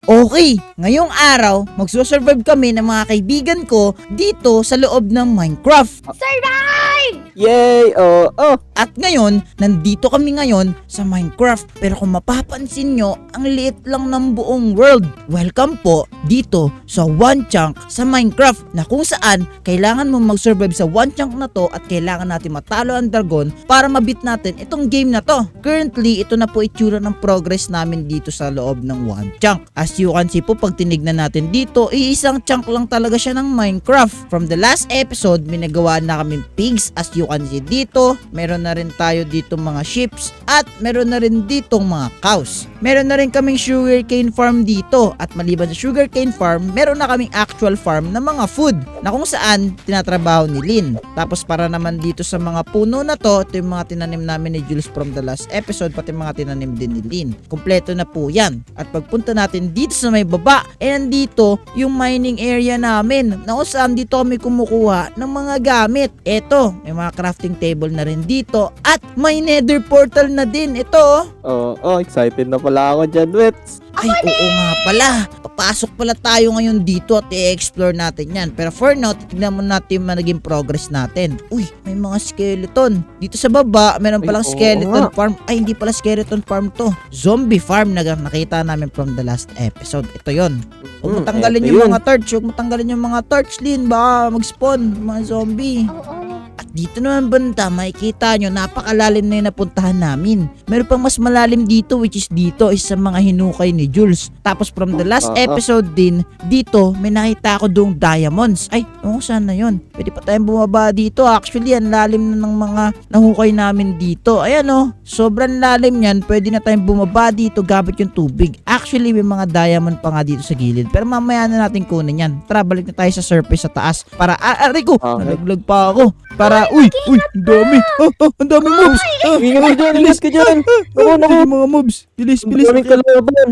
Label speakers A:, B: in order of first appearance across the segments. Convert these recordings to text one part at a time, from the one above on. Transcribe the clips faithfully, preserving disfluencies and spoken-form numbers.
A: Okay, ngayong araw, magsusurvive kami ng mga kaibigan ko dito sa loob ng Minecraft.
B: Survive!
C: Yay! Oo! Oh,
A: At ngayon, nandito kami ngayon sa Minecraft. Pero kung mapapansin nyo, ang liit lang ng buong world. Welcome po dito sa One Chunk sa Minecraft na kung saan kailangan mo mag-survive sa One Chunk na to at kailangan natin matalo ang dragon para mabit natin itong game na to. Currently, ito na po itsura ng progress namin dito sa loob ng One Chunk. As you can see po, pag tinignan natin dito, iisang chunk lang talaga siya ng Minecraft. From the last episode, may nagawa na kaming pigs. As you can see dito, meron na rin tayo dito mga sheep at meron na rin ditong mga cows. Meron na rin kaming sugarcane farm dito at maliban sa sugarcane farm, meron na kaming actual farm ng mga food na kung saan tinatrabaho ni Lynn. Tapos para naman dito sa mga puno na to, ito yung mga tinanim namin ni Jules from the last episode, pati mga tinanim din ni Lynn. Kompleto na po yan. At pagpunta natin dito sa may baba, eh nandito yung mining area namin na kung saan dito kami kumukuha ng mga gamit. Eto, may mga crafting table na rin dito at may nether portal na din. Ito
C: oh, oh, excited na pala ako dyan, Wets.
A: ay, oo nga pala. Papasok pala tayo ngayon dito at i-explore natin yan. Pero for now, titignan mo natin yung naging progress natin. Uy, may mga skeleton. Dito sa baba, meron palang
C: Ay, oo
A: skeleton
C: nga.
A: farm. Ay, hindi pala skeleton farm to. Zombie farm na nakita namin from the last episode. Ito yon. Huwag mo
C: Hmm,
A: tanggalin
C: eto
A: yung
C: yun.
A: mga torch. Huwag mo tanggalin yung mga torch, Lin. Baka mag-spawn yung mga zombie.
B: Oo.
A: At dito naman banda, makikita nyo, napakalalim na yung napuntahan namin. Meron pang mas malalim dito, which is dito, is sa mga hinukay ni Jules. Tapos from the last
C: Ah, ah.
A: episode din, dito, may nakita ako doong diamonds. Ay, oo, saan na yun? Pwede pa tayong bumaba dito. Actually, ang lalim na ng mga nahukay namin dito. Ayan o, sobrang lalim yan. Pwede na tayong bumaba dito gamit yung tubig. Actually, may mga diamond pa nga dito sa gilid. Pero mamaya na natin kunin yan. Tara, balik na tayo sa surface sa taas. Para, ah, aray ko,
C: Okay.
A: nalaglag pa ako. Para, uy, uy, ang dami. Ah, ah, ang dami mobs. Ah,
C: Ingat ka dyan, ingat ka dyan.
A: Ako, naku, yung mga mobs. Bilis,
C: Ang
A: bilis.
C: daming kalaban.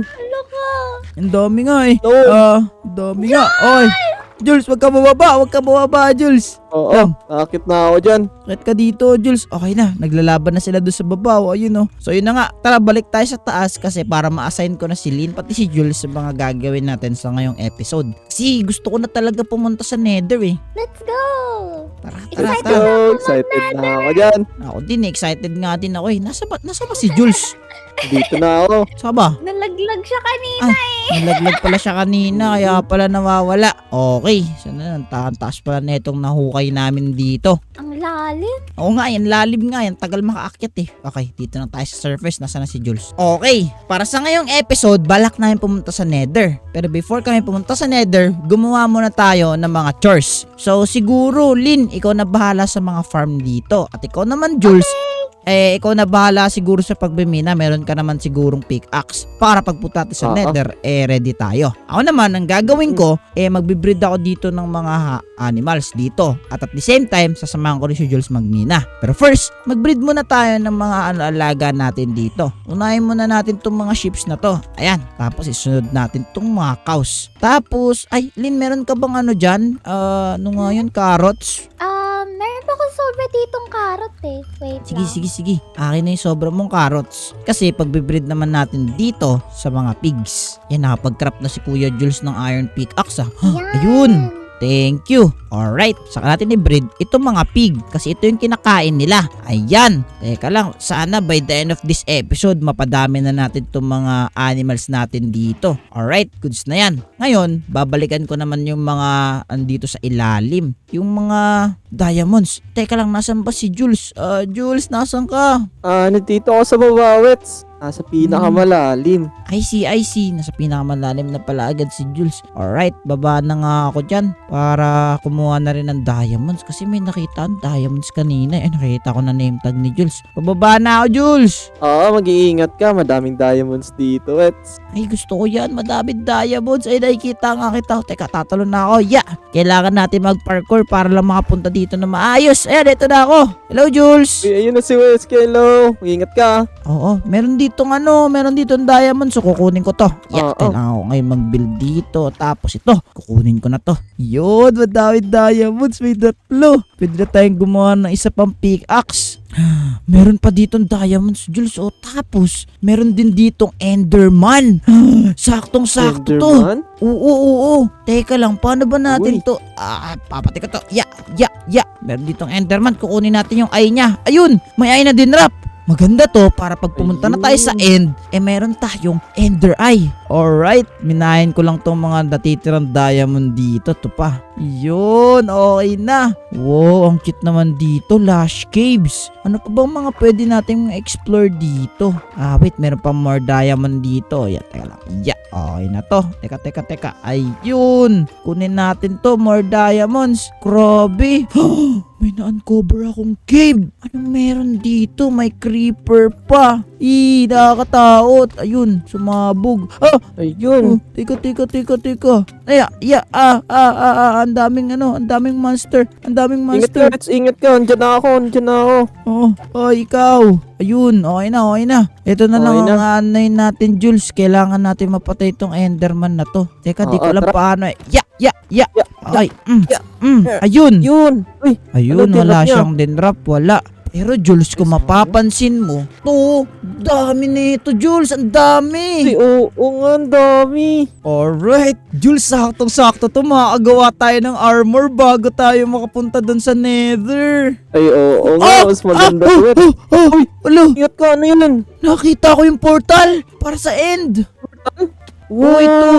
A: Ang dami nga eh.
C: No.
A: Ah, ang dami nga. Oy, Jules, wag ka bababa. Wag ka bababa, Jules.
C: Oo,
A: Lang.
C: nakakit na ako dyan.
A: Kahit ka dito, Jules. Okay na. Naglalaban na sila doon sa baba. O, ayun oh. So, yun na nga. Tara, balik tayo sa taas kasi para ma-assign ko na si Lynn pati si Jules sa mga gagawin natin sa ngayong episode. Kasi gusto ko na talaga pumunta sa Nether eh.
B: Let's go!
A: Tara, tara,
B: Excited
A: tara.
B: na.
C: So, excited na ako dyan.
A: Ako din, excited nga din ako eh. Nasa ba, nasa ba si Jules?
C: Dito na ako.
A: Saan ba?
B: Nalaglag siya kanina.
A: Nalaglag pala siya kanina, kaya pala nawawala. Okay, sana ang taas pala na itong nahukay namin dito.
B: Ang lalim.
A: Oo nga, yan lalim nga, yan tagal makaakyat eh. Okay, dito na tayo sa surface, nasa na si Jules. Okay, para sa ngayong episode, balak namin pumunta sa Nether. Pero before kami pumunta sa Nether, gumawa muna tayo ng mga chores. So siguro, Lynn, ikaw na bahala sa mga farm dito. At ikaw naman, Jules, eh, ikaw na bahala siguro sa pagbimina. Meron ka naman sigurong pickaxe para pagpunta natin sa
C: Oo.
A: Nether, eh, ready tayo. Ako naman, ang gagawin ko, eh, magbibreed ako dito ng mga ha- animals dito. At at the same time, sasamahan ko rin si Jules magmina. Pero first, magbreed muna tayo ng mga ano, alaga natin dito. Unahin muna natin itong mga sheep na to. Ayan. Tapos, isunod natin itong mga cows. Tapos, ay, Lynn, meron ka bang ano dyan? Ah, ano nga yun? Carrots?
B: Um, meron pa akong sobra ditong carrot eh. Wait
A: Sige,
B: lang.
A: sige, sige. Akin na yung sobra mong carrots. Kasi pagbibreed naman natin dito sa mga pigs. Yan, nakapag-craft na si Kuya Jules ng iron pickaxe ah. Huh,
B: Yan.
A: ayun. Thank you. Alright, saka natin i-breed itong mga pig kasi ito yung kinakain nila. Ayan. Teka lang, sana by the end of this episode, mapadami na natin itong mga animals natin dito. Alright, goods na yan. Ngayon, babalikan ko naman yung mga andito sa ilalim. Yung mga diamonds. Teka lang, nasan ba si Jules? Ah, Jules, nasan ka?
C: Ah, nandito ako sa baba, Wets. Nasa pinakamalalim.
A: I see, I see. Nasa pinakamalalim na pala agad si Jules. Alright, baba na nga ako dyan para kumuha na rin ng diamonds kasi may nakita ang diamonds kanina. Eh, nakita ko na name tag ni Jules. Pababa na ako, Jules.
C: Oo, mag-iingat ka. Madaming diamonds dito, Wets.
A: Ay, gusto ko yan. Madaming diamonds. Ay, nakikita nga kita. Teka, tatalon na ako. Yeah. Kailangan natin mag-parkour para lang makapunta dito na maayos. Ayan, ito na ako. Hello, Jules.
C: Uy, ayun na si Wets. Hello. Mag-iingat ka.
A: Oo, meron dito ditong ano, meron ditong diamond. So, kukunin ko to. Yeah,
C: Oo.
A: kailangan ko ngayon mag-build dito. Tapos ito, kukunin ko na to. Yun, madami diamonds. May tatlo. Pwede na tayong gumawa ng isa pang pickaxe. Meron pa ditong diamonds, Jules. O, tapos, meron din ditong Enderman. Saktong-sakto to.
C: Enderman?
A: Oo, oo, oo. Teka lang, paano ba natin
C: Uy.
A: to? Ah, papatay ko to. Ya, ya, ya. Meron ditong Enderman. Kukunin natin yung eye niya. Ayun, may eye na din, Rap. Maganda to para pag pumunta na tayo sa end, eh meron tayong Ender Eye. Alright, minahin ko lang tong mga natitirang diamond dito. Ito pa. Yun, okay na. Wow, ang cute naman dito. Lush Caves. Ano pa bang mga pwede nating explore dito? Ah, wait, meron pa more diamond dito. Yeah, teka lang. Yeah, okay na to. Teka, teka, teka. Ayun. Kunin natin to. More diamonds. Grabe. May na-uncover akong cave. Anong meron dito? May creeper pa. Ih, nakakatakot. Ayun, sumabog. Ah! Oh,
C: Ayun.
A: teka, teka, teka, teka. Ay, ya, ah, ah, ah, ah, ang daming ano, ang daming monster. Ang daming
C: Ingat ka,
A: monster.
C: Reds. Ingat ka. Andiyan na ako. Andiyan na ako.
A: Oh, oh, ikaw. Ayun, okay na, okay na. Ito na
C: Okay
A: lang
C: na.
A: ang aanayin natin, Jules. Kailangan natin mapatay itong Enderman na to. Teka, di
C: Oo,
A: ko alam
C: tara.
A: paano eh. Ya, ya, ya.
C: Ya,
A: Ay, mm,
C: ya,
A: mm,
C: ya.
A: ayun.
C: Yun. Uy.
A: Ayun,
C: Ano,
A: wala
C: tinrap niya?
A: siyang dinrap, wala. Pero Jules, kung mapapansin mo, to, dami nito, Jules, ang
C: Ay,
A: dami.
C: oo, oo nga. Ang dami.
A: Alright, Jules, saktong-sakto to, makakagawa tayo ng armor bago tayo makapunta dun sa nether.
C: Ay, oo, oo nga. Mas maganda,
A: ah,
C: Reds.
A: ah, ah,
C: Uy.
A: Alo,
C: Ingat ka. Ano yun?
A: nakita ko yung portal para sa end. Oh, ito.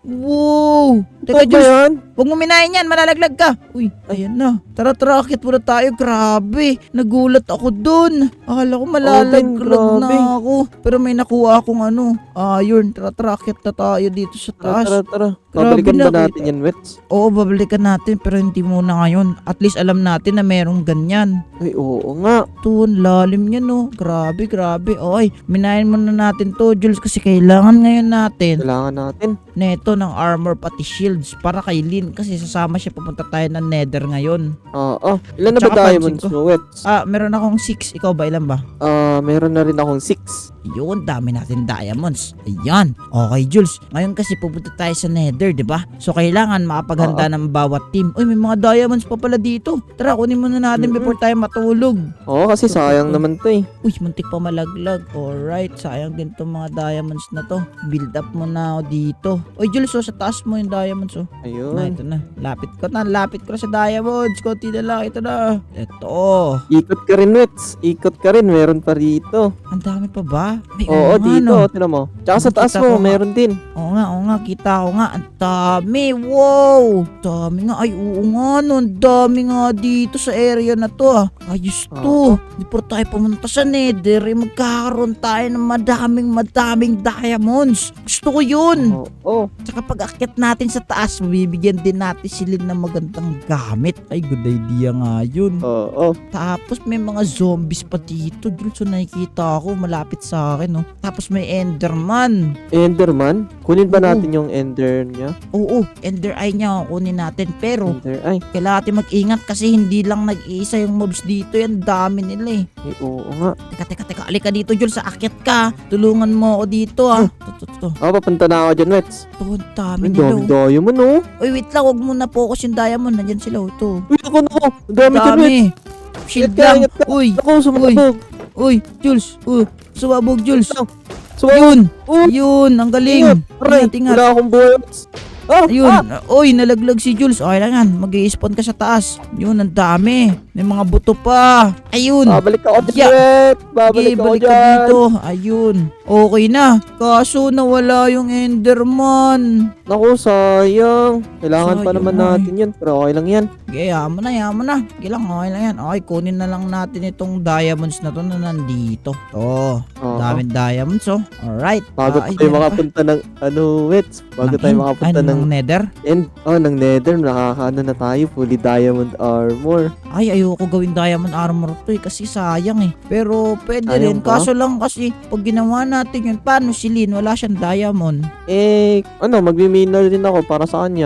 A: Wow. Teka,
C: Ito ba
A: Jules,
C: yan?
A: huwag mo minahin yan, malalaglag ka. Uy, ayan na. Tara, tara, akit muna tayo. Grabe, nagulat ako dun. Akala ko malalaglag
C: grabe.
A: na ako. Pero may nakuha akong ano. Ayun, tara, tara, akit na tayo dito sa
C: Tara,
A: taas.
C: tara, tara.
A: Grabe
C: Babalikan ba
A: na,
C: natin yan, Reds?
A: Oo, babalikan natin pero hindi muna ngayon. At least alam natin na merong ganyan.
C: Ay, oo nga.
A: Ito, ang lalim niya no. Grabe, grabe. Okay, minahin muna natin to, Jules, kasi kailangan ngayon natin
C: Kailangan natin.
A: neto ng armor pati shields para kay Lynn kasi sasama siya papunta tayo ng nether ngayon.
C: Oo. Ilan na ba
A: Tsaka
C: diamonds
A: pansin
C: mo, Reds?
A: Ah, meron akong six. Ikaw ba? Ilan ba?
C: Ah, meron na rin akong six.
A: Yun, dami natin diamonds. Ayan. Okay, Jules. Ngayon kasi pupunta tayo sa nether, di ba? So, kailangan makapaghanda ng bawat team. Uy, may mga diamonds pa pala dito. Tara, kunin muna natin
C: Mm-mm.
A: before tayo matulog.
C: Oo, kasi sayang naman to eh.
A: Uy, muntik pa malaglag. Alright, sayang din tong mga diamonds na to. Build up mo na ako dito. Uy, Jules, oh, sa taas mo yung diamonds, oh. Na,
C: Ayun.
A: ito na. Lapit ko na. Lapit ko na sa diamonds. Konti na lang. Ito na. Ito.
C: Ikot ka rin, Reds. Ikot ka rin. Meron pa rito.
A: Ang dami pa ba? May
C: Oo,
A: nga,
C: dito.
A: no?
C: Tinan mo. Tsaka sa taas
A: Nakita ko
C: mo,
A: nga.
C: meron din.
A: Oo nga, oo nga. Kita ko nga. Ang dami. Wow. Dami nga. Ay, oo nga, no. Ang dami nga dito sa area na to, ah. Ayos to. Di pa tayo pumunta sa nether. Eh, magkakaroon tayo ng madaming, madaming diamonds. Gusto ko yun.
C: Oo.
A: Tsaka pag akyat natin sa taas, mabibigyan din natin sila ng magandang gamit. Ay, good idea nga yun.
C: Oo.
A: Tapos may mga zombies pa dito. Dun so nakikita ako malapit sa akin, no. Tapos may Enderman.
C: Enderman? Kunin ba
A: Oo.
C: natin yung Ender niya?
A: Oo, Ender Eye niya kunin natin. Pero
C: Ender, ay.
A: kailangan natin mag-ingat kasi hindi lang nag-iisa yung mobs dito. Yan, dami nila eh.
C: Ay, oo nga.
A: Teka, teka, teka. Alika dito, Jules. Sa akyat ka. Tulungan mo ako dito, ah. Ito, ito, ito.
C: Ako, papunta na ako dyan, Reds.
A: Ito, ang dami
C: Ang
A: nila.
C: dami
A: oh.
C: diamond, oh.
A: Uy, wait lang. Huwag mo na focus yung diamond. Nandyan sila, oh. Ito.
C: Uy, ako, ako. Ang dami dyan, Reds.
A: Dami. Shield
C: Ingat ka,
A: lang.
C: ingat ka.
A: Uy,
C: Ako, sumabog.
A: uy, Jules. Uy, sumabog, Jules.
C: Sumabog.
A: Yun.
C: Oh,
A: Yun, ang galing.
C: ingat. Aray,
A: Ingat, ingat.
C: wala akong buhay, Reds. Ah,
A: Ayun.
C: ah.
A: Uy, nalaglag si Jules. Okay lang yan. Mag-i-spawn ka sa taas. Yun, ang dami. May mga buto pa. Ayun.
C: Babalik ako dyan,
A: Yeah.
C: Reds. Babalik
A: Okay,
C: ako
A: balik ka
C: dyan.
A: dito. Ayun. Okay na. Kaso nawala yung Enderman.
C: Naku, sayang. Kailangan pa
A: Sayang,
C: naman
A: ay.
C: natin yan. Pero okay lang yan.
A: Okay, yaman na, yaman na. Okay lang, okay lang yan. Okay, kunin na lang natin itong diamonds na to na nandito. To.
C: Oo.
A: Daming diamonds, oh. Alright.
C: Bago
A: Ah, ay,
C: tayo
A: meron pa.
C: makapunta ng, ano, Reds. Bago
A: Ng
C: tayo
A: end?
C: makapunta
A: Ay,
C: ng,
A: ng nether?
C: end, oh, ng nether. Nakakaano na tayo. Fully diamond armor.
A: Ay, ayoko gawin diamond armor to eh, kasi sayang eh. Pero pwede
C: Ayaw
A: rin,
C: ba?
A: kaso lang kasi pag ginawa natin yun, paano si Lynn? Wala siyang diamond.
C: Eh, ano, magmi-miner din ako para sa kanya.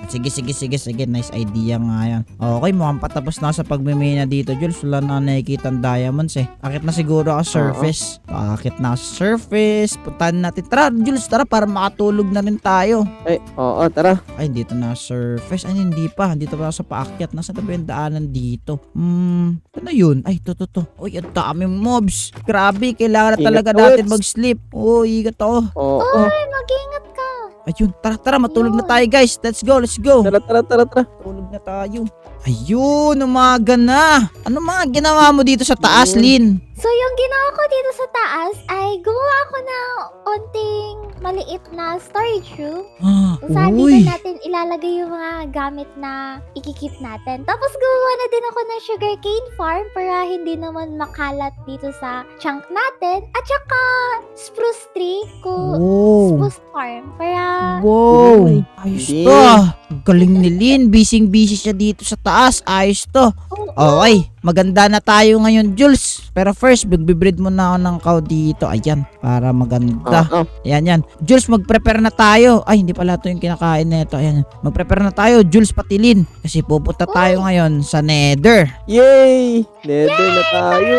A: Sige, sige, sige, sige. Nice idea nga yan. Okay, mukhang patapos na ako sa pagmimina dito, Jules. Wala na nakikita ang diamonds eh. Akit na siguro ako surface. Akit na ako sa surface. Puntahan natin. Tara, Jules, tara para makatulog na rin tayo.
C: Ay, oo, tara.
A: Ay, dito na surface. Ay, hindi pa. Dito pa ako sa paakyat. Nasa tabi yung daanan dito. Hmm, ano yun? Ay, to, to, to. Uy, ang daming mobs. Grabe, kailangan na
C: Ingat
A: talaga
C: ka,
A: natin
C: Wets.
A: mag-sleep. Oh, igat ako.
C: Oo.
B: Ay, mag-ingat ka.
A: Ayun, tara, tara, matulog na
B: Yun.
A: tayo guys. Let's go, let's go.
C: Tara, tara, tara, tara.
A: Tulog na tayo. Ayun, umaga na. Ano mga ginawa mo dito sa taas,
C: Ayun.
A: Lin?
B: So, yung ginawa ko dito sa taas ay gumawa ako ng onting maliit na storage room.
A: Ah,
B: Kung saan
A: uy.
B: dito natin ilalagay yung mga gamit na ikikip natin. Tapos gumawa na din ako ng sugarcane farm para hindi naman makalat dito sa chunk natin. At saka spruce tree ko
A: Wow.
B: spruce farm para
A: Wow.
C: Uy,
A: Ayos
C: hindi.
A: to. Ang galing ni Lin. Busy-busy siya dito sa taas. Ayos to. Okay, maganda na tayo ngayon, Jules. Pero first, magbibreed muna ako ng cow dito. Ayan, para maganda.
C: Oo.
A: Ayan, yan. Jules, mag-prepare na tayo. Ay, hindi pala ito yung kinakain na ito. Ayan, mag-prepare na tayo, Jules Patilin. Kasi pupunta tayo ngayon sa Nether.
C: Yay! Nether na tayo.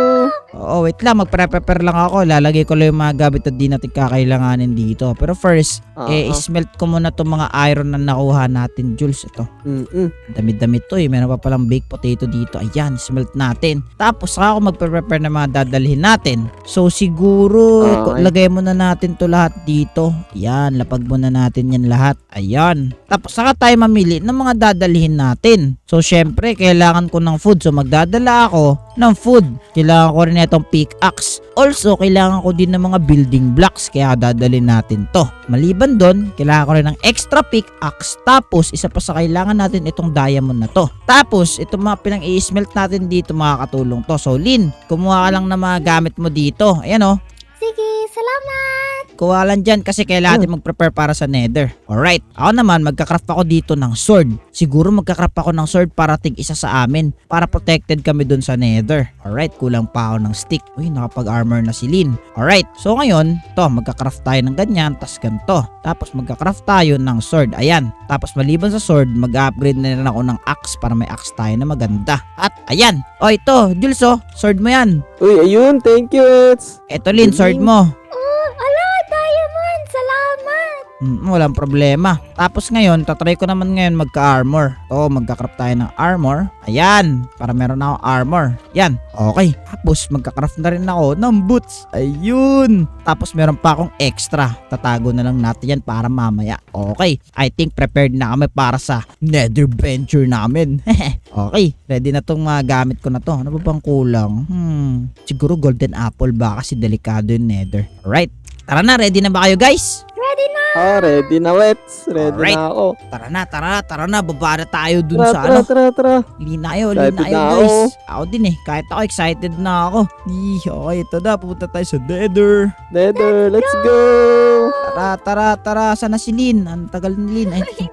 A: Oo, wait lang. Mag-prepare lang ako. Lalagay ko lang yung mga gamit na di natin kakailanganin dito. Pero first,
C: Oo.
A: eh, smelt ko muna itong mga iron na nakuha natin, Jules. Ito.
C: Mm-mm.
A: Dami-dami to eh. Meron pa palang baked potato dito. Ayan, smelt natin. Tapos saka ako magpe-prepare ng mga dadalhin natin. So siguro,
C: Okay.
A: lagay muna natin to lahat dito. Ayan, lapag muna natin yan lahat. Ayan. Tapos saka tayo mamili ng mga dadalhin natin. So syempre, kailangan ko ng food. So magdadala ako ng food. Kailangan ko rin itong pickaxe. Also, kailangan ko din ng mga building blocks. Kaya dadalhin natin to. Maliban doon, kailangan ko rin ng extra pickaxe. Tapos, isa pa sa kailangan natin itong diamond na to. Tapos, itong mga pinang i-smelt natin dito makakatulong to. So, Lin, kumuha ka lang ng mga gamit mo dito. Ayan o.
B: sige, salamat.
A: Kuha lang dyan kasi kailangan natin mag-prepare para sa nether. Alright. Ako naman, magkakraft ako dito ng sword. Siguro magkakraft ako ng sword para tig isa sa amin. Para protected kami dun sa nether. Alright. Kulang pa ako ng stick. Uy, nakapag-armor na si Lin. Alright. So ngayon, to, magkakraft tayo ng ganyan. Tas ganito. Tapos magkakraft tayo ng sword. Ayan. Tapos maliban sa sword, mag-upgrade na rin ako ng axe para may axe tayo na maganda. At ayan. O ito, Jules oh. Sword mo yan.
C: Uy, ayun. Thank you, Eds.
A: Ito Lin, sword mo.
B: Oh, ala, diamond. Salamat.
A: Mm, walang problema. Tapos ngayon, tatry ko naman ngayon magka-armor. Oo, magka-craft tayo ng armor. Ayan, para meron na ako armor. Yan, okay. Tapos magka-craft na rin ako ng boots. Ayun. Tapos meron pa akong extra. Tatago na lang natin yan para mamaya. Okay, I think prepared na kami para sa nether venture namin. Okay, ready na tong mga gamit ko na to. Ano ba bang kulang? Hmm, siguro golden apple ba kasi delikado yung nether. Alright, tara na, ready na ba kayo guys?
B: Ready na.
C: Ah, ready na, Wets. Ready
A: Alright.
C: na ako.
A: Tara na, tara na, tara na, baba na tayo dun
C: Tara,
A: sa
C: tara,
A: ano.
C: tara, tara.
A: Lina kayo,
C: Excited
A: lina kayo
C: na
A: guys.
C: ako.
A: Ako din eh, kahit ako excited na ako. Ih, okay, ito na, pupunta tayo sa nether.
C: Nether, let's go.
A: Tara, tara, tara, sana si Lin? Ang tagal ni Lin. Ay, ito.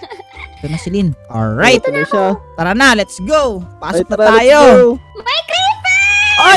A: Ito na si Lin. Alright,
C: Ito na siya.
A: tara na, let's go.
C: Ay,
A: Pasok na
C: tara, let's
A: tayo.
C: go.
B: May creeper.
A: Ay!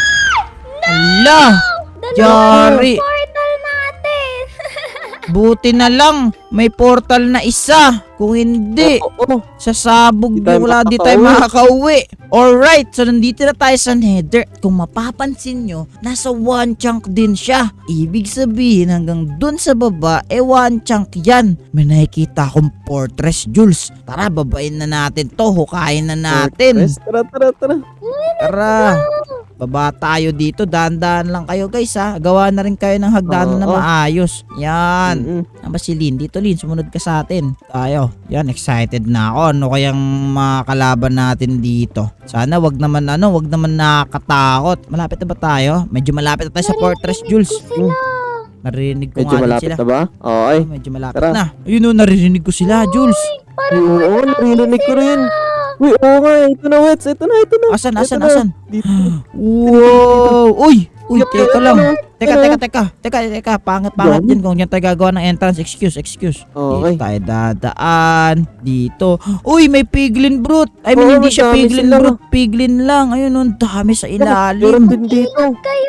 A: Ala! Yari!
B: Portal natin.
A: Buti na lang, may portal na isa. Kung hindi,
C: Oo, oo.
A: sasabog
C: Di tayo
A: yung wala, di tayo
C: makakauwi.
A: makakauwi. Alright, so nandito na tayo sa nether. Kung mapapansin nyo, nasa one chunk din siya. Ibig sabihin hanggang dun sa baba, eh one chunk yan. May nakikita akong fortress, Jules. Tara, babain na natin to. Hukayin na natin.
C: Yes, tara, tara, tara.
A: Tara. Baba tayo dito. Dahan-dahan lang kayo guys ha. Gawa na rin kayo ng hagdanan na
C: Oo.
A: maayos. Yan.
C: Mm-mm.
A: Ano ba si Lin? Dito Lin, sumunod ka sa atin. Tayo. Yan, excited na ako. Ano kayang makakalaban natin dito? Sana wag naman ano, wag naman nakakatakot. Malapit na ba tayo? Medyo malapit na tayo sa Fortress, Jules.
B: Ko sila.
A: Narinig ko
C: Medyo
A: nga din
C: malapit
A: sila.
C: na ba? Okay.
A: Oh, medyo malapit
C: Tara.
A: na. Ayun o, naririnig ko sila, Jules.
B: Parang
C: Oo, oo, narinig ko rin. Uy, oo nga. Ito na, Wets. Ito na, ito na.
A: Asan,
C: Ito
A: asan,
C: na.
A: asan?
C: Dito.
A: Wow! Uy! Uy,
C: Yup,
A: teka
C: yup,
A: lang.
C: yup.
A: Teka,
C: Ano?
A: teka, teka. Teka, teka. Pangit-pangit
C: Yan.
A: din kung yan tayo gagawa ng entrance. Excuse, excuse.
C: Okay.
A: Dito tayo dadaan. Dito. Uy, may piglin brute. I mean,
C: Oo,
A: hindi siya
C: madami
A: piglin
C: sila.
A: brute. Piglin lang. Ayun, ang dami sa
C: Meron
A: ilalim.
C: din dito.
B: kayo.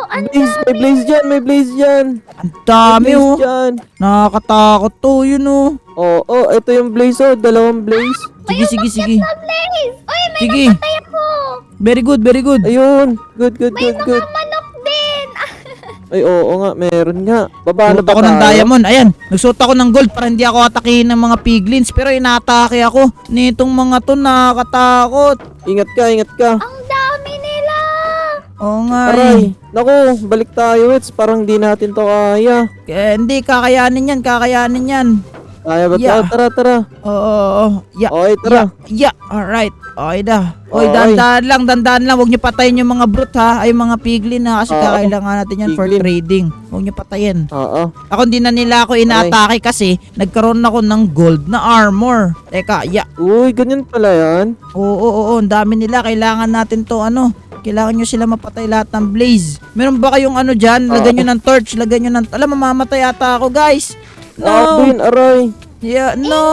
B: Ang
C: Blaze, may blaze dyan, may blaze dyan.
A: Ang
C: May
A: dami
C: blaze
A: oh.
C: dyan.
A: Nakakatakot to, yun oh.
C: Oo, oh, ito yung blaze oh, dalawang blaze.
A: Sige, sige, sige.
B: na Blaze! Uy, may
A: Sige.
B: napatay ako!
A: Very good, very good.
C: Ayun, good, good,
B: May
C: good,
B: mga
C: good.
B: manok din! Ah,
C: Ay, oo nga, meron nga. Baba na
A: Suot
C: ba
A: ako ng
C: tayo?
A: diamond. Ayan, nagsuot ako ng gold para hindi ako atakihin ng mga piglins. Pero inaatake ako nitong mga to, nakakatakot.
C: Ingat ka, ingat ka.
B: ang dami nila!
A: Oo nga eh.
C: Aray, naku, balik tayo, Wets. Parang di natin to kaya.
A: Kaya hindi, kakayanin yan, kakayanin yan.
C: Kaya ba
A: Yeah.
C: tayo? Tara, tara.
A: Oo, oo, oo. Yeah,
C: Okay, tara.
A: yeah, yeah. Alright. Okay dah. Oy,
C: Okay.
A: dandan lang, dandan lang. Huwag niyo patayin yung mga brute ha. Ay, mga piglin ha. Kasi
C: Oo.
A: kakailangan natin yan for
C: Piglin.
A: trading. Huwag niyo patayin.
C: Oo.
A: Ako hindi na nila ako inaatake kasi nagkaroon ako ng gold na armor. Teka, yeah.
C: Uy, ganyan pala yan.
A: Oo, oo, oo. Ang dami nila. Kailangan natin to ano. Kailangan nyo sila mapatay lahat ng blaze. Meron ba kayong ano dyan? Lagyan nyo ng torch. Lagyan nyo ng... Alam, mamamatay ata ako, guys.
C: Ah,
A: No.
C: Queen, aray.
A: Yeah, no.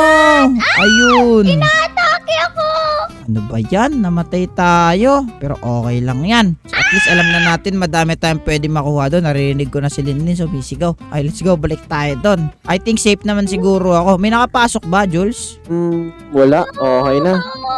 A: Ayun.
B: Atake ako!
A: Ano ba yan? Namatay tayo. Pero okay lang yan. So, at least alam na natin madami tayong pwede makuha doon. Narinig ko na si Linlin sumisigaw. Ay, let's go. Balik tayo doon. I think safe naman siguro ako. May nakapasok ba, Jules?
C: Hmm, wala. Okay na.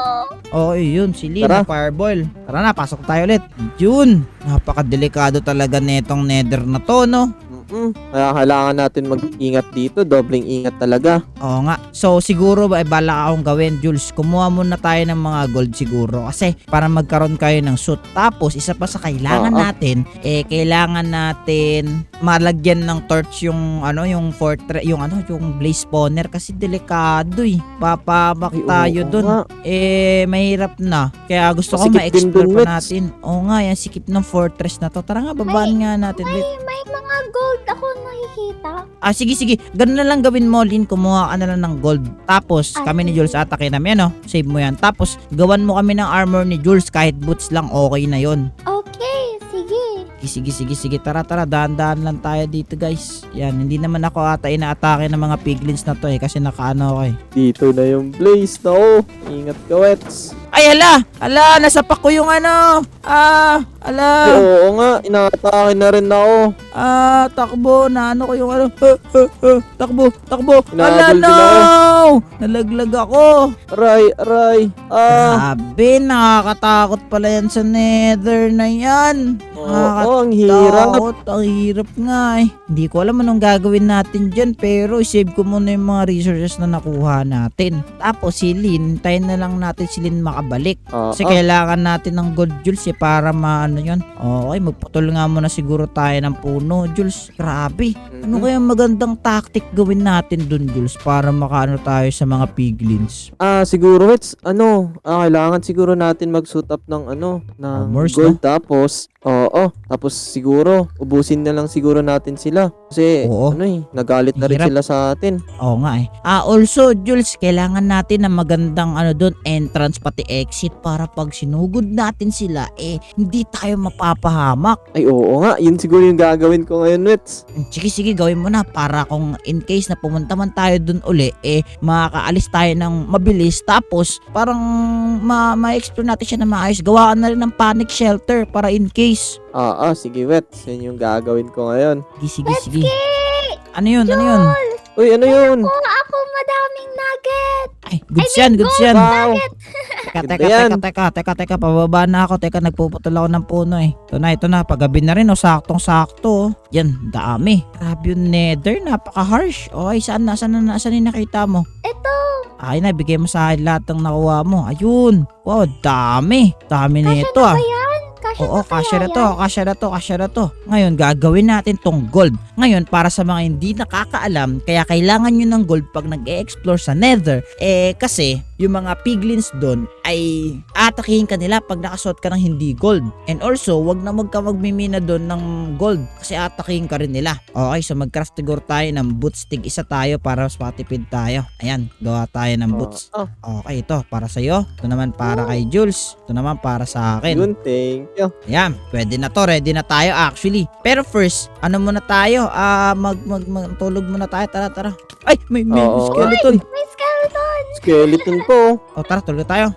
A: Oo, yun. Si Lin,
C: Tara.
A: Fireball. Tara na, pasok tayo ulit. Yun. Napakadelikado talaga netong nether na to, no?
C: Mm-mm. Kaya kailangan natin mag-ingat dito. Dobling ingat talaga.
A: Oo nga. So, siguro ba, eh, balak akong gawin, Jules. Kumuha muna tayo ng mga gold siguro. Kasi, para magkaroon kayo ng suit. Tapos, isa pa sa kailangan
C: Oo.
A: natin, eh, kailangan natin malagyan ng torch yung, ano, yung fortress, yung, ano, yung blaze spawner. Kasi, delikado, eh. Papamak
C: Ay, oo
A: tayo dun.
C: nga.
A: Eh, mahirap na. Kaya gusto ko
C: Masikip din
A: ma-explore
C: dun,
A: pa
C: Mets.
A: natin. Oo nga, yan, sikip ng fortress na to. Tara nga, babaan nga natin.
B: May,
A: Wait.
B: may mga gold ako nakikita.
A: Ah, sige, sige. Ganun na lang gawin mo, Lin. Kumuha ka na lang ng gold. Tapos,
B: Ah,
A: kami ni
B: sige.
A: Jules atake namin, ano? Save mo yan. Tapos, gawan mo kami ng armor ni Jules. Kahit boots lang, okay na yon.
B: Okay, sige.
A: Sige, sige, sige, sige. Tara, tara. Dahan-dahan lang tayo dito, guys. Yan, hindi naman ako ata inaatake ng mga piglins na to eh. Kasi nakaano ako eh.
C: Dito na yung blaze na oh. Ingat ka, Wets.
A: Ay, hala! Hala! Nasapak ko yung ano! Ah! Hala!
C: Ay, oo nga. Inaatake na rin ako.
A: Ah, takbo na ano ko yung ano. Huh, huh, huh. Takbo, takbo. Hala,
C: Hinahabol din
A: no! Nalaglag ako.
C: Aray, aray. Ah.
A: Grabe, nakakatakot pala yan sa nether na yan.
C: Oo, ang hirap.
A: Nakakatakot, ang hirap nga eh. Hindi ko alam anong gagawin natin dyan, pero isave ko muna yung mga resources na nakuha natin. Tapos si Lin, tayo na lang natin si Lin makabalik.
C: Ah,
A: Kasi
C: ah.
A: kailangan natin ng gold, Jules, eh, para maano yun. Okay, magputol nga muna siguro tayo ng puno, Jules. Grabe. Ano
C: Mhm.
A: kaya magandang tactic gawin natin dun, Jules, para makaano tayo sa mga piglins?
C: Ah, siguro, Wets, ano, ah, kailangan siguro natin mag-suit up ng ano, ng
A: Armors,
C: gold. Tapos, oo, tapos siguro, ubusin na lang siguro natin sila. Kasi,
A: Oo.
C: ano eh, nagalit na rin
A: Hirap.
C: sila sa atin.
A: Oo nga eh. Ah, also, Jules, kailangan natin ng magandang ano doon, entrance pati exit para pag sinugod natin sila, eh, hindi tayo mapapahamak.
C: Ay, oo nga, yun siguro yung gagawin ko ngayon, Wets.
A: Sige, sige, gawin mo na para kung in case na pumunta man tayo doon uli, eh, makakaalis tayo ng mabilis. Tapos, parang ma- ma-explore natin siya na maayos. Gawa ka na rin ng panic shelter para in case.
C: Ah, ah, sige, Wets, yun yung gagawin ko ngayon.
A: Sige, sige, sige. Ano yun, ano yun?
C: Uy, ano yun?
B: Kuha ako madaming nugget.
A: Ay, goods yan, goods yan.
C: Wow!
A: Teka,
C: Ganda
A: teka,
C: yan.
A: teka, teka, teka, teka, pababa na ako. Teka, nagpuputol ako ng puno eh. Ito na, ito na, paggabi na rin, oh, saktong-sakto. Oh. Yan, dami. Grabe yung nether, napaka-harsh. Okay, saan na, saan na, saan yung nakita mo?
B: Ito.
A: Ay na, bigay mo sa akin lahat ng nakuha mo. Ayun. Wow, dami. Dami
B: Kasya
A: nito
B: na
A: ah.
B: ba yan? Kasya
A: Oo,
B: na kaya
A: kasya na
B: yan?
A: to, kasya na to, kasya na to. Ngayon, gagawin natin tong gold. Ngayon, para sa mga hindi nakakaalam, kaya kailangan nyo ng gold pag nag-e-explore sa nether, eh kasi, yung mga piglins doon ay atakihin ka nila pag nakasuot ka ng hindi gold. And also, wag na wag ka magmimina doon ng gold kasi atakihin ka rin nila. Okay, so mag-craft siguro tayo ng boots. Tig isa tayo para mas matipid tayo. Ayan, gawa tayo ng boots.
C: Ah,
A: Okay, ito para sa'yo. Ito naman para kay Jules. Ito naman para sa akin.
C: yun, thank you.
A: Ayan, pwede na to. Ready na tayo actually. Pero first, ano muna tayo? Ah, mag, mag, mag, tulog muna tayo. Tara, tara. Ay, may, may
C: Oo.
A: skeleton.
B: May skeleton.
C: Skeleton po.
A: O, tara, tulog tayo.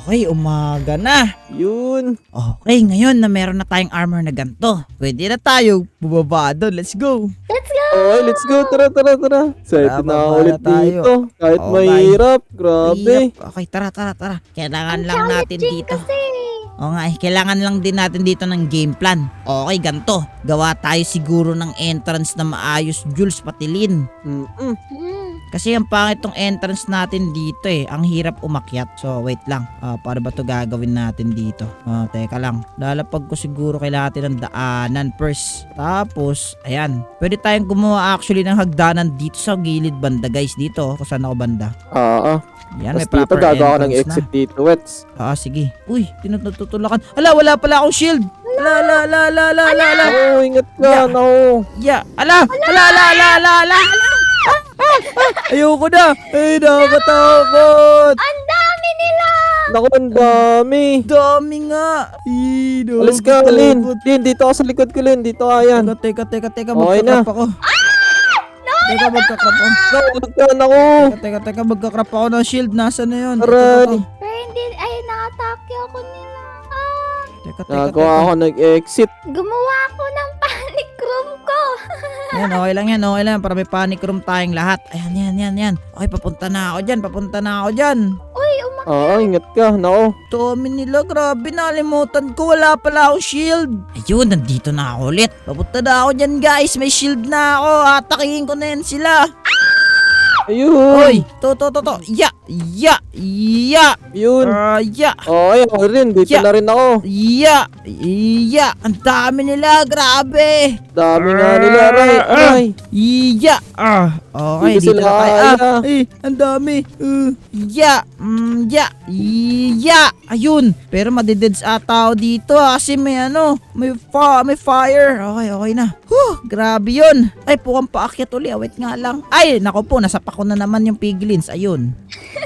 A: Okay, umaga na.
C: Yun.
A: Okay, ngayon na meron na tayong armor na ganito, pwede na tayo bubaba doon. Let's go.
B: Let's go!
C: Okay, let's go. Tara, tara, tara. Excited
A: Tara,
C: na ako
A: baba
C: ulit
A: na tayo.
C: dito. Kahit
A: Okay.
C: mahirap. Grabe.
A: Yep. Okay, tara, tara, tara. Kailangan
B: Ang
A: lang natin
B: challenging
A: dito.
B: Kasi.
A: Oo nga eh, kailangan lang din natin dito ng game plan. Okay, ganito. Gawa tayo siguro ng entrance na maayos, Jules, patilin.
C: Mm-mm.
B: Hmm.
A: Kasi ang pangit tong entrance natin dito eh. Ang hirap umakyat. So, wait lang. Ah, paano ba to gagawin natin dito? Ah, teka lang. Lalapag ko siguro kailangan natin ng daanan first. Tapos, ayan. Pwede tayong gumawa actually ng hagdanan dito sa gilid banda, guys. Dito, kung saan ako banda.
C: Oo.
A: Yan, may
C: Tapos dito
A: proper
C: gagawa ko ng
A: entrance
C: exit
A: na.
C: dito, Wets.
A: Ah, sige. Uy, tinututulakan. Ala, wala pala akong shield. Ala, ala, ala, ala, ala, ala, ala.
C: Oo, ingat ka.
A: Yeah.
C: Naku.
A: Ya, ala, ala, ala, ala, ala, ala. Ah, ah, ah. Ayoko na. Ay, nakakatakot.
B: Ang dami nila!
C: Naku, ang dami.
A: Dami nga. Ay,
C: Alis ka, Lin.
A: nakakatakot.
C: Lin, dito ka sa likod ko, Lin. Dito ka, yan.
A: Teka, teka, teka, teka,
C: Okay na.
A: magkakrap ako. Teka, magkakrap ako.
C: Naku, ka, naku.
A: Teka, teka, teka, magkakrap ako ng shield. Nasaan na yun? Ito,
C: Aray.
A: ito, ito.
B: Pero hindi, ay, nakatake ako nila. Ah,
A: Teka, teka,
C: Nagawa
A: teka.
C: ako nag-exit.
B: gumawa ako ng panic room ko.
A: Yan, okay lang yan, okay lang. Para may panic room tayong lahat. Ayan, yan, yan, yan. Okay, papunta na ako dyan, papunta na ako dyan.
B: Uy, umak...
C: Oo, ingat ka. Naku.
A: Dami nila, grabe, nalimutan ko. Wala pala akong shield. Ayun, nandito na ako ulit. Papunta na ako dyan, guys. May shield na ako. Atakihin ko na yan sila.
C: Ayun.
A: Hoy, to, to, to, to. Ya, ya, ya.
C: Yun.
A: Ah, ya,
C: Oo, ayun ako rin. Dito
A: Yeah.
C: na rin ako.
A: ya, ya. Ang dami nila, grabe.
C: Dami nga nila, Aray. Aray.
A: Ya. Ah, okay,
C: Dito
A: dito
C: sila
A: na tayo.
C: kaya.
A: Ah, ay, ang dami. Uh, ya, mm, ya, ya. Ayun. Pero madideds ata ako dito ah, kasi may ano, may, fa may fire. Okay, okay na. Huh, grabe yun. Ay, pukang paakyat uli. Awit nga lang. Ay, nako po, nasapak ko na naman yung piglins. Ayun.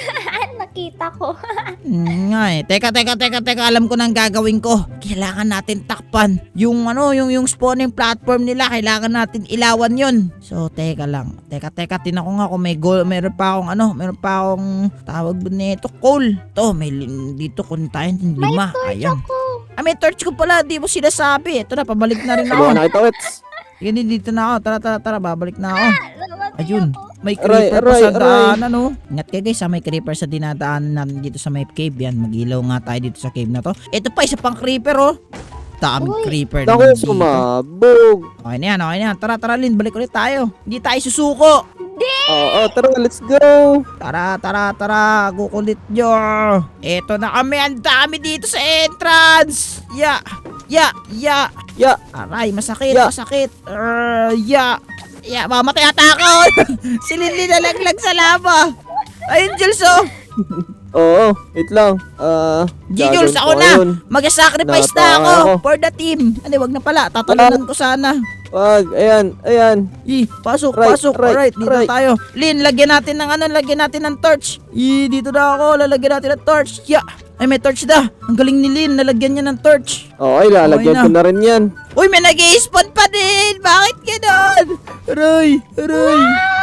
B: Nakita ko.
A: Mm, nga eh. Teka, teka, teka, teka. Alam ko nang gagawin ko. Kailangan natin takpan. Yung ano, yung, yung spawning platform nila, kailangan natin ilawan yun. So, teka lang. Teka, teka. Tinan ko nga kung may goal. Meron pa akong ano, meron pa akong tawag ba nito? Coal. To, may lim- dito kung tayo ng
B: May
A: lima.
B: torch
A: Ayan.
B: ako.
A: Ah, may torch ko pala. Di mo sinasabi. Ito na, pabalik na rin
C: Gawa
A: ako.
C: na kita, Wets.
A: Sige, dito na ako. Tara, tara, tara. Babalik na ako.
B: Namatay
A: Ayun.
B: ako.
A: May
C: Aray,
A: creeper pa
C: aray,
A: sa
C: aray.
A: daanan, no? Ingat kayo guys, ha? May creeper sa dinadaanan natin dito sa may cave. Yan, mag-ilaw nga tayo dito sa cave na to. Ito pa, isa pang creeper, oh. Daming
B: Uy.
A: creeper
C: Naku,
A: naman dito.
C: sumabog.
A: Okay na yan, okay na yan. Tara, tara, Lin, balik ulit tayo. Hindi tayo susuko.
C: Oo, tara, let's go.
A: Tara, tara, tara. Kukulit nyo. Ito na kami. Ang dami dito sa entrance. Ya, ya, ya.
C: Ya.
A: Aray, masakit,
C: Ya.
A: masakit. Uh, ya. Ya, mamatay ata ako. Si Lin nalaglag sa lava. Ayun, Jules, oh.
C: Oo, wait lang. Ah,
A: G, Jules,
C: gagawin
A: ako
C: ko
A: na.
C: ngayon.
A: Mag-sacrifice na
C: Napa-
A: ako
C: ako.
A: for the team. Hindi, wag na pala. Tatalunan ko sana.
C: Wag, ayan, ayan.
A: I, pasok,
C: Right,
A: pasok.
C: right,
A: Alright, dito
C: right.
A: tayo. Lin, lagyan natin ng ano, lagyan natin ng torch. I, dito na ako. Lalagyan natin ng torch. Ya. Ay, may torch na. Ang galing ni Lin. Nalagyan niya ng torch.
C: Okay, lalagyan
A: Okay na.
C: ko na rin yan.
A: Uy, may nag-i-spawn pa din. Bakit ganon? Aray, aray.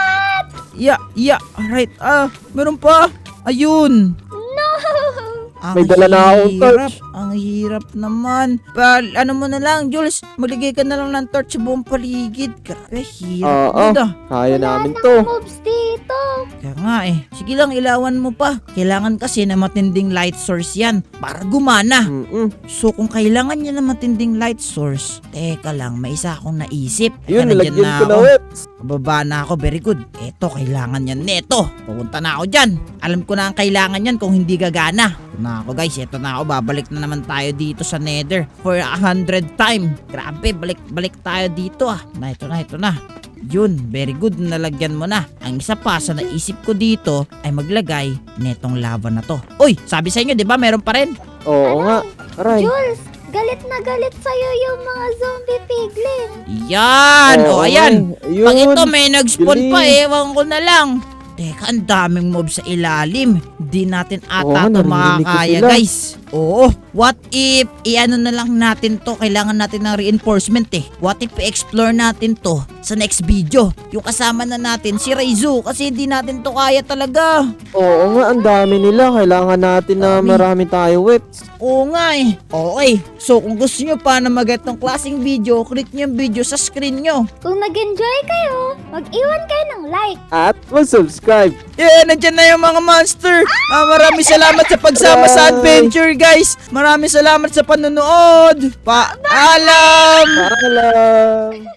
A: Ya, ya. Alright, ah, meron pa. Ayun.
B: No!
A: Ang
C: May dala na akong
A: hirap.
C: torch.
A: Ang hirap naman. Pal, ano mo na lang, Jules, maligay ka na lang ng torch sa buong paligid. Grabe, hirap
C: Oo.
A: na.
C: Kaya namin
B: Wala
C: to.
B: nang moves dito.
A: Kaya nga eh. Sige lang, ilawan mo pa. Kailangan kasi na matinding light source yan para gumana.
C: Mm-mm.
A: So kung kailangan niya na matinding light source, teka lang, may isa akong naisip.
C: Yun,
A: Kaya nandyan
C: nilagyan ko na,
A: ako.
C: Wets.
A: Bababa na ako, very good. Eto, kailangan yan neto. Pupunta na ako dyan. Alam ko na ang kailangan yan kung hindi gagana. Ito na ako guys, eto na ako. Babalik na naman tayo dito sa nether for a hundred time. Grabe, balik, balik tayo dito ah. Na, ito na, ito na. Yun, very good, nalagyan mo na. Ang isa pa sa naisip ko dito ay maglagay netong lava na to. Uy, sabi sa inyo, di ba meron pa rin?
C: Oo nga. Aray.
B: Jules, galit na galit sa'yo yung mga zombie piglin.
A: Yan!
C: Oo
A: O, ayan.
C: nga. Ayun.
A: Pag ito may nag-spawn pa,
C: Galing.
A: ewan ko na lang. Teka, ang daming mob sa ilalim. Di natin
C: Oo,
A: ata to
C: narinig ko
A: makakaya,
C: sila.
A: guys. Oo, what if i-ano na lang natin to, kailangan natin ng reinforcement eh. What if i-explore natin to sa next video? Yung kasama na natin si Raizu kasi hindi natin to kaya talaga.
C: Oo nga, ang dami nila. Kailangan natin na
A: Dami.
C: marami tayo, Wets.
A: Oo nga eh. Okay, so kung gusto nyo pa na mag-get ng klaseng video, click nyo yung video sa screen nyo.
B: Kung nag-enjoy kayo, mag-iwan kayo ng like.
C: At mag-subscribe.
A: Yeah, nandyan na yung mga monster. Ah, maraming salamat sa pagsama sa adventure, guys. Maraming salamat sa panonood. Paalam!
C: Paalam!